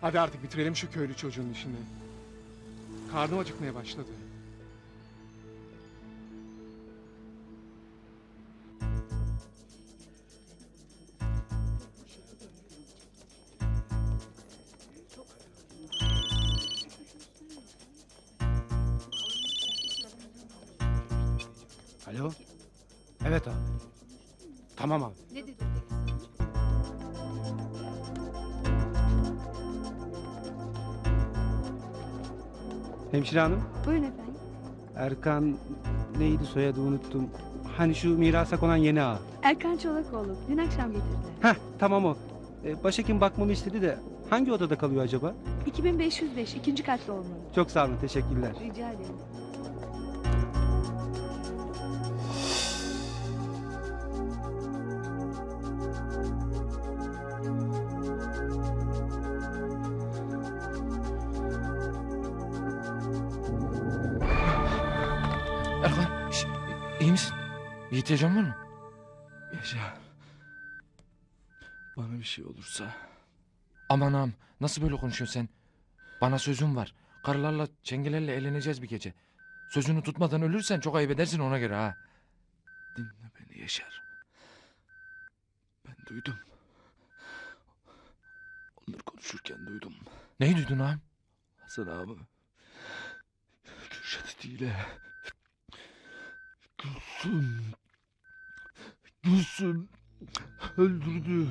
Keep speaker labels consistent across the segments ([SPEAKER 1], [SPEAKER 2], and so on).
[SPEAKER 1] Hadi artık bitirelim şu köylü çocuğun işini. Karnım acıkmaya başladı.
[SPEAKER 2] Alo? Evet abi. Tamam abi.
[SPEAKER 3] Ne dedi?
[SPEAKER 2] Hemşire hanım,
[SPEAKER 3] Buyurun efendim.
[SPEAKER 2] Erkan neydi soyadı unuttum. Hani şu mirasa konan yeni ağa.
[SPEAKER 3] Erkan Çolakoğlu. Dün akşam getirdiler.
[SPEAKER 2] Heh tamam o. Başhekim bakmamı istedi de hangi odada kalıyor acaba?
[SPEAKER 3] 2505 ikinci katta olmalı.
[SPEAKER 2] Çok sağ olun, teşekkürler.
[SPEAKER 3] Rica ederim.
[SPEAKER 4] Erkan, iyi misin? Bir ihtiyacın var mı?
[SPEAKER 5] Yaşar. Bana bir şey olursa.
[SPEAKER 4] Aman ağam, nasıl böyle konuşuyorsun sen? Bana sözüm var. Karılarla, çengelerle eğleneceğiz bir gece. Sözünü tutmadan ölürsen çok ayıp edersin ona göre ha.
[SPEAKER 5] Dinle beni Yaşar. Ben duydum. Onları konuşurken duydum.
[SPEAKER 4] Neyi duydun ağam?
[SPEAKER 5] Hasan ağamı Kürşat ile Gülsüm öldürdü.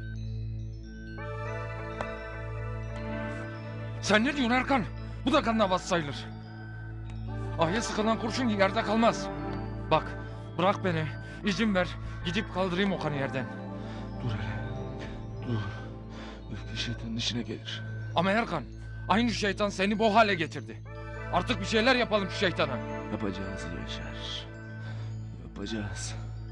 [SPEAKER 4] Sen ne diyorsun Erkan? Bu da kan davası sayılır. Ahya sıkılan kurşun yerde kalmaz. Bak, bırak beni. İzin ver. Gidip kaldırayım o kanı yerden.
[SPEAKER 5] Dur hele. Dur. Öfke şeytanın işine gelir.
[SPEAKER 4] Ama Erkan, aynı şeytan seni bu hale getirdi. Artık bir şeyler yapalım şu şeytana.
[SPEAKER 5] Yapacağız Yaşar. Yapacağız.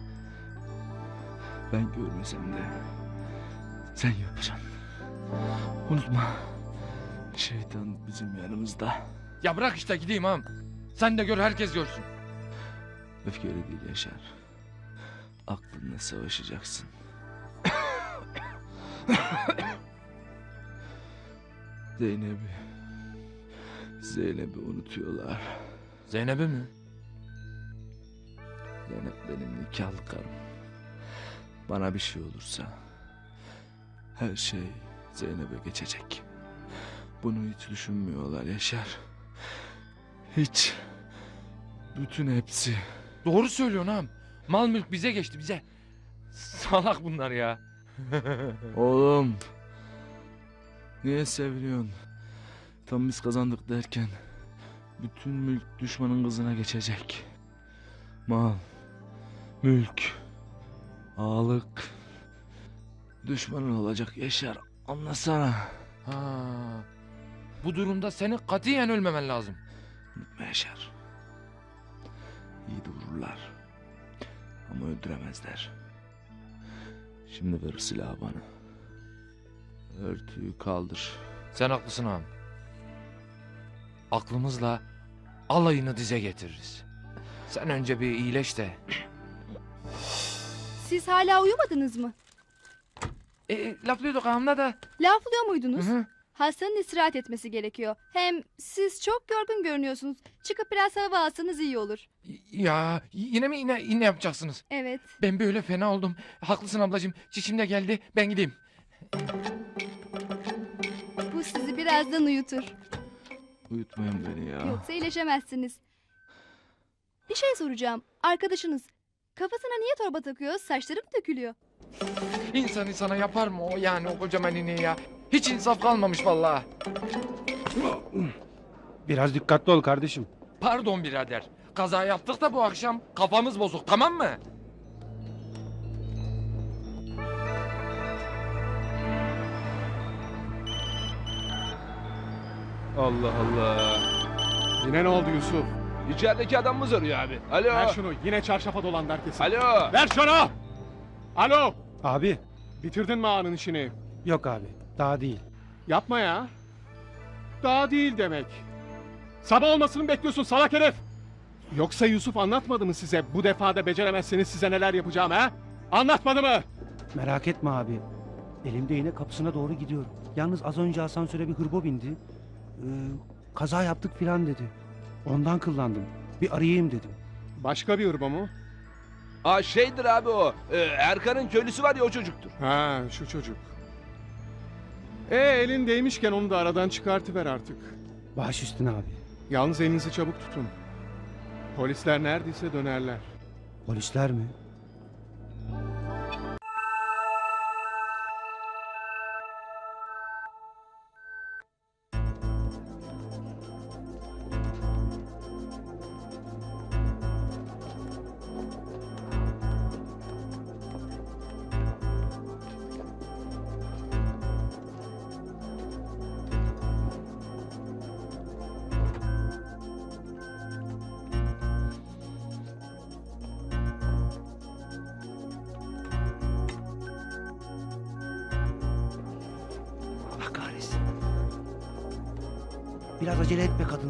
[SPEAKER 5] Ben görmesem de sen yapacaksın. Unutma. Şeytan bizim yanımızda.
[SPEAKER 4] Ya bırak işte gideyim ağam. Sen de gör, herkes görsün.
[SPEAKER 5] Öfkeyle değil Yaşar. Aklınla savaşacaksın. Zeynep'i unutuyorlar.
[SPEAKER 4] Zeynep'i mi?
[SPEAKER 5] Zeynep benim nikahlı karım. Bana bir şey olursa her şey Zeynep'e geçecek. Bunu hiç düşünmüyorlar Yaşar. Hiç. Bütün hepsi.
[SPEAKER 4] Doğru söylüyorsun ağam. Mal mülk bize geçti, bize. Salak bunlar ya.
[SPEAKER 5] Oğlum. Niye seviniyorsun? Tam biz kazandık derken bütün mülk düşmanın kızına geçecek. Mal, mülk, ağalık düşmanın olacak Yaşar. Anlasana.
[SPEAKER 4] Ha. Bu durumda senin katiyen ölmemen lazım.
[SPEAKER 5] Unutma Yaşar. İyi de vururlar. Ama öldüremezler. Şimdi ver silahı bana. Örtüyü kaldır.
[SPEAKER 4] Sen haklısın ağam. Aklımızla alayını dize getiririz. Sen önce bir iyileş de.
[SPEAKER 3] Siz hala uyumadınız mı?
[SPEAKER 4] Laflıyorduk ağamla da.
[SPEAKER 3] Laflıyor muydunuz?
[SPEAKER 4] Hı hı.
[SPEAKER 3] Hastanın istirahat etmesi gerekiyor. Hem siz çok yorgun görünüyorsunuz. Çıkıp biraz hava alsanız iyi olur.
[SPEAKER 4] Ya yine mi yine yapacaksınız?
[SPEAKER 3] Evet.
[SPEAKER 4] Ben böyle fena oldum. Haklısın ablacığım. Çişim de geldi. Ben gideyim.
[SPEAKER 3] Bu sizi birazdan uyutur.
[SPEAKER 5] Uyutmayın beni ya.
[SPEAKER 3] Yoksa iyileşemezsiniz. Bir şey soracağım. Arkadaşınız kafasına niye torba takıyor? Saçları mı dökülüyor?
[SPEAKER 4] İnsan insana yapar mı o, yani o kocaman ineği ya? Hiç insaf kalmamış vallahi.
[SPEAKER 2] Biraz dikkatli ol kardeşim.
[SPEAKER 4] Pardon birader. Kaza yaptık da bu akşam kafamız bozuk, tamam mı?
[SPEAKER 2] Allah Allah.
[SPEAKER 1] Yine ne oldu Yusuf?
[SPEAKER 5] İçerideki adamımız arıyor abi. Alo.
[SPEAKER 1] Ver şunu. Yine çarşafa dolandı herkesin.
[SPEAKER 5] Alo.
[SPEAKER 1] Ver şunu! Alo!
[SPEAKER 2] Abi,
[SPEAKER 1] Bitirdin mi ağanın işini?
[SPEAKER 2] yok abi. Daha değil.
[SPEAKER 1] Yapma ya. Daha değil demek. Sabah olmasını mı bekliyorsun salak herif? Yoksa Yusuf anlatmadı mı size bu defada beceremezseniz size neler yapacağım ha? Anlatmadı mı?
[SPEAKER 2] Merak etme abi. Elimde yine kapısına doğru gidiyorum. Yalnız az önce asansöre bir hırbo bindi. Kaza yaptık filan dedi. Ondan kıllandım. Bir arayayım dedim.
[SPEAKER 1] Başka bir hırba mı?
[SPEAKER 6] Aa şeydir abi o. Erkan'ın köylüsü var ya o çocuktur.
[SPEAKER 1] Ha, şu çocuk. Elin değmişken onu da aradan çıkartıver artık.
[SPEAKER 2] Baş üstüne abi.
[SPEAKER 1] Yalnız elinizi çabuk tutun. Polisler neredeyse dönerler.
[SPEAKER 2] Polisler mi? Allah kahretsin. Biraz acele etme kadın.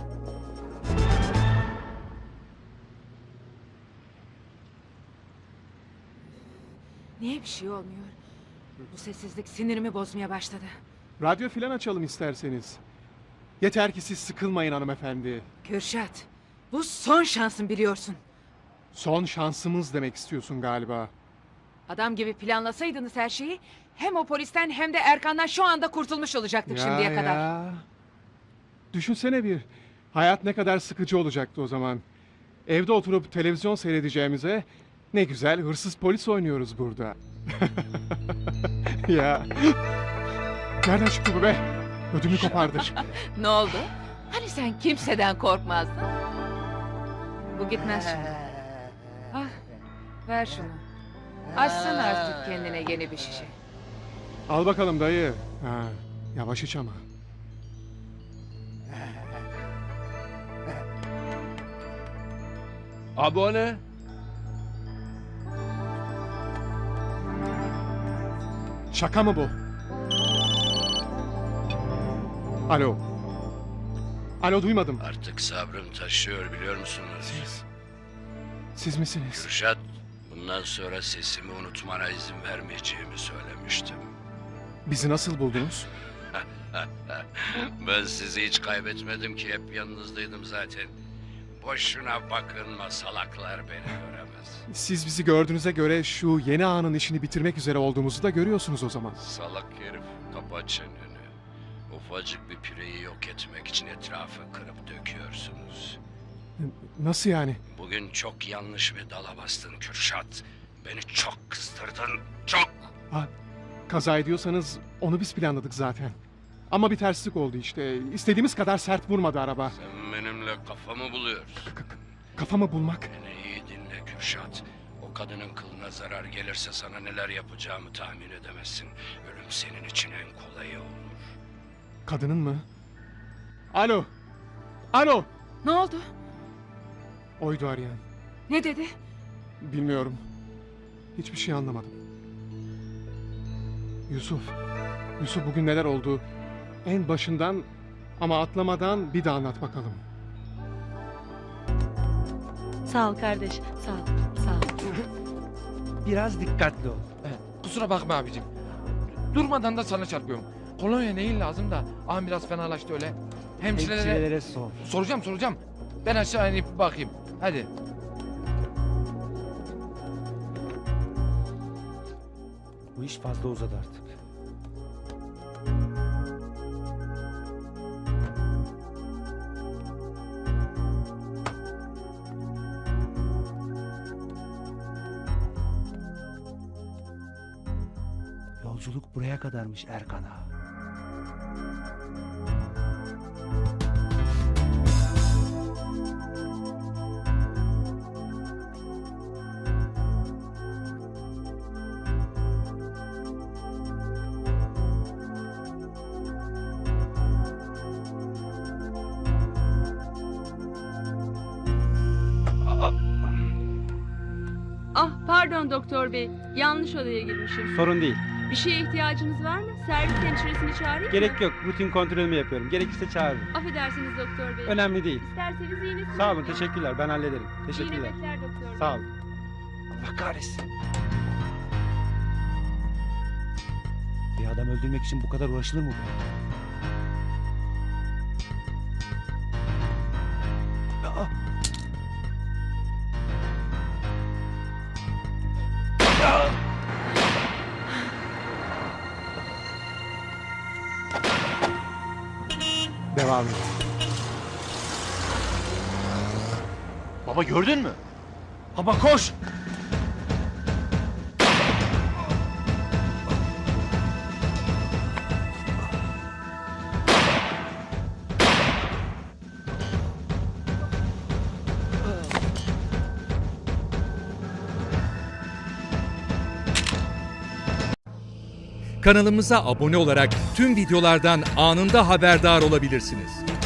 [SPEAKER 7] Niye bir şey olmuyor? Bu sessizlik sinirimi bozmaya başladı.
[SPEAKER 1] Radyo filan açalım isterseniz. Yeter ki siz sıkılmayın hanımefendi.
[SPEAKER 7] Kürşat, bu son şansın biliyorsun.
[SPEAKER 1] Son şansımız demek istiyorsun galiba.
[SPEAKER 7] Adam gibi planlasaydınız her şeyi, hem o polisten hem de Erkan'dan şu anda kurtulmuş olacaktık şimdiye kadar.
[SPEAKER 1] Ya. Düşünsene bir. Hayat ne kadar sıkıcı olacaktı o zaman. Evde oturup televizyon seyredeceğimize ne güzel hırsız polis oynuyoruz burada. Ya. Nereden çıktı bu be? Ödümü kopardı.
[SPEAKER 7] Ne oldu? Hani sen kimseden korkmazdın? Bu gitmez şimdi. Ah, ver şunu. Açsın artık kendine yeni bir şişe.
[SPEAKER 1] Al bakalım dayı. Ha, yavaş iç ama.
[SPEAKER 6] Abi o ne?
[SPEAKER 1] Şaka mı bu? Alo. Alo, duymadım.
[SPEAKER 8] Artık sabrım taşıyor biliyor musunuz?
[SPEAKER 1] Siz misiniz?
[SPEAKER 8] Kürşat, bundan sonra sesimi unutmana izin vermeyeceğimi söylemiştim.
[SPEAKER 1] Bizi nasıl buldunuz?
[SPEAKER 8] Ben sizi hiç kaybetmedim ki, hep yanınızdaydım zaten. Boşuna bakınma, salaklar beni göremez.
[SPEAKER 1] Siz bizi gördüğünüze göre şu yeni ağanın işini bitirmek üzere olduğumuzu da görüyorsunuz o zaman.
[SPEAKER 8] Salak herif, kapa çeneni. Ufacık bir pireyi yok etmek için etrafı kırıp döküyorsunuz.
[SPEAKER 1] Nasıl yani?
[SPEAKER 8] Bugün çok yanlış bir dala bastın Kürşat. Beni çok kızdırdın, çok.
[SPEAKER 1] Ha, kaza ediyorsanız onu biz planladık zaten. Ama bir terslik oldu işte. İstediğimiz kadar sert vurmadı araba.
[SPEAKER 8] Sen benimle kafamı buluyorsun.
[SPEAKER 1] Kafamı bulmak.
[SPEAKER 8] Beni iyi dinle Kürşat. O kadının kılına zarar gelirse sana neler yapacağımı tahmin edemezsin. Ölüm senin için en kolayı olur.
[SPEAKER 1] Kadının mı? Alo. Alo.
[SPEAKER 7] Ne oldu?
[SPEAKER 1] Oydu arayan.
[SPEAKER 7] Ne dedi?
[SPEAKER 1] Bilmiyorum. Hiçbir şey anlamadım. Yusuf. Yusuf, bugün neler oldu? En başından ama atlamadan bir daha anlat bakalım.
[SPEAKER 9] Sağ ol kardeş, sağ ol, sağ ol.
[SPEAKER 2] Biraz dikkatli ol.
[SPEAKER 4] Kusura bakma abicim. Durmadan da sana çarpıyorum. Kolonya neyin lazım da? Ağam biraz fenalaştı öyle. Hemşirelere...
[SPEAKER 2] Hemşirelere sor.
[SPEAKER 4] Soracağım. Ben aşağı inip bakayım. Hadi.
[SPEAKER 2] Bu iş fazla uzadı artık. Yolculuk buraya kadarmış Erkan'a.
[SPEAKER 9] Ah pardon doktor bey, yanlış odaya girmişim.
[SPEAKER 2] Sorun değil.
[SPEAKER 9] Bir şeye ihtiyacınız var mı? Servis hemşiresini çağırayım mı?
[SPEAKER 2] Gerek yok. Rutin kontrolümü yapıyorum. Gerekirse çağırırım.
[SPEAKER 9] Affedersiniz doktor bey.
[SPEAKER 2] Önemli değil.
[SPEAKER 9] İsterseniz iğnesini...
[SPEAKER 2] Sağ olun. Teşekkürler. Ben hallederim.
[SPEAKER 9] İyi
[SPEAKER 2] Teşekkürler.
[SPEAKER 9] nöbetler doktor bey.
[SPEAKER 2] Sağ olun. Allah kahretsin. Bir adam öldürmek için bu kadar uğraşılır mı be? Aa!
[SPEAKER 1] Devam et.
[SPEAKER 5] Baba gördün mü? Baba koş!
[SPEAKER 10] Kanalımıza abone olarak tüm videolardan anında haberdar olabilirsiniz.